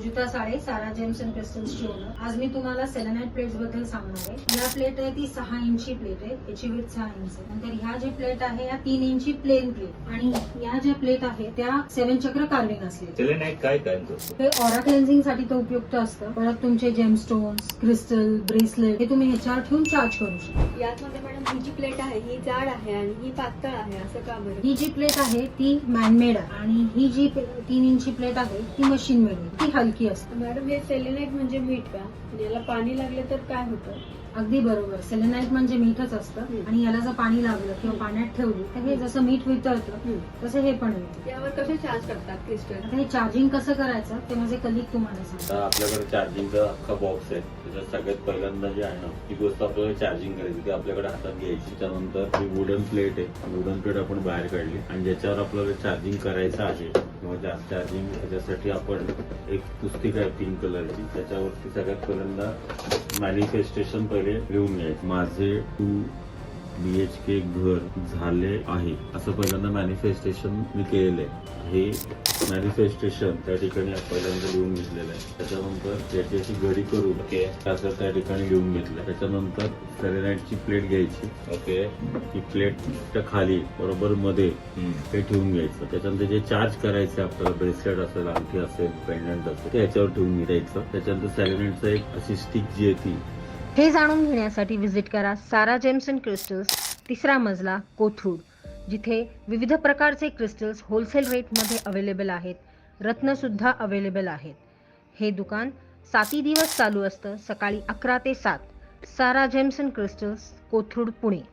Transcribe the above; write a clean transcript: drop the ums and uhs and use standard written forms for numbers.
Sujita Sale, Sara James and क्रिस्टल्सची owner. आज मी तुम्हाला सेलेनाइट प्लेट्स बद्दल सांगणार आहे. या प्लेट आहे ती 6 इंची प्लेट आहे, याची विड्थ 6 इंच आहे. नंतर ह्या जी प्लेट आहे या 3 इंची प्लेन प्लेट, आणि या ज्या प्लेट आहे त्या 7 चक्र कार्विंग असले. सेलेनाइट काय काम करतो? हे ऑरा क्लेन्झिंग साठी तो उपयुक्त असतं. परत तुमचे जेमस्टोन्स, क्रिस्टल, ब्रेसलेट हे तुम्ही ह्याच्यावर ठेवून चार्ज करू शकता. यातमध्ये मॅडम ही जी प्लेट आहे ही जाड आहे आणि ही पातळ आहे, असं का बरं? ही जी प्लेट आहे ती मॅनमेड आहे आणि ही जी 3 इंची प्लेट आहे ती मशीन मेड आहे. ती हलकी असते. मॅडम हे सेलेनाइट म्हणजे मीठ का? याला पाणी लागले तर काय होतं? अगदी बरोबर. सेलेनाइट म्हणजे मीठच असतं आणि याला जर पाणी लागलं किंवा पाण्यात ठेवली तर हे जसं मीठ वितळतं तसं हे पण वितळतं. यावर कसे चार्ज करतात क्रिस्टल? आता हे चार्जिंग कसं करायचं ते माझे कलिक तुम्हाला सांगतात. आता आपल्याकडे चार्जिंगचा अख्खा बॉक्स आहे. त्याच्यात सगळ्यात पहिल्यांदा जे आहे ना ती गोष्ट आपल्याला चार्जिंग करायची ती आपल्याकडे हातात घ्यायची. त्यानंतर ही वुडन प्लेट आहे. वुडन प्लेट आपण बाहेर काढली आणि ज्याच्यावर आपल्याला चार्जिंग करायचं आहे किंवा चार्जिंग त्याच्यासाठी आपण एक पुस्तिका आहे पिंक कलरची, त्याच्यावरती सगळ्यात पहिल्यांदा मॅनिफेस्टेशन पहिले लिहून घ्यायचं. माझे 2 BHK घर झाले आहे असं पहिल्यांदा मॅनिफेस्टेशन मी केलेलं आहे. हे मॅनिफेस्टेशन त्या ठिकाणी पहिल्यांदा लिहून घेतलेलं आहे. त्याच्यानंतर त्याची अशी घडी करून ओके असं त्या ठिकाणी लिहून घेतलं. त्याच्यानंतर सेलेनाइटची प्लेट घ्यायची. ओके ती प्लेटच्या खाली बरोबर मध्ये ते ठेवून घ्यायचं. त्याच्यानंतर जे चार्ज करायचं आपल्याला ब्रेसलेट असेल, अंगठी असेल, पेंडंट असेल ते याच्यावर ठेवून घ्यायचं. त्याच्यानंतर सेलेनाइटचं एक अशी स्टिक जी आहे ती. हे जाणून घेण्यासाठी विजिट करा सारा जेम्स अँड क्रिस्टल्स, 3रा मजला, कोथरूड, जिथे विविध प्रकारचे क्रिस्टल्स होलसेल रेटमध्ये अवेलेबल आहेत. रत्नसुद्धा अवेलेबल आहेत. हे दुकान 7 दिवस चालू असतं, सकाळी 11 ते 7. Sara James and Crystals, Kothrud, Pune.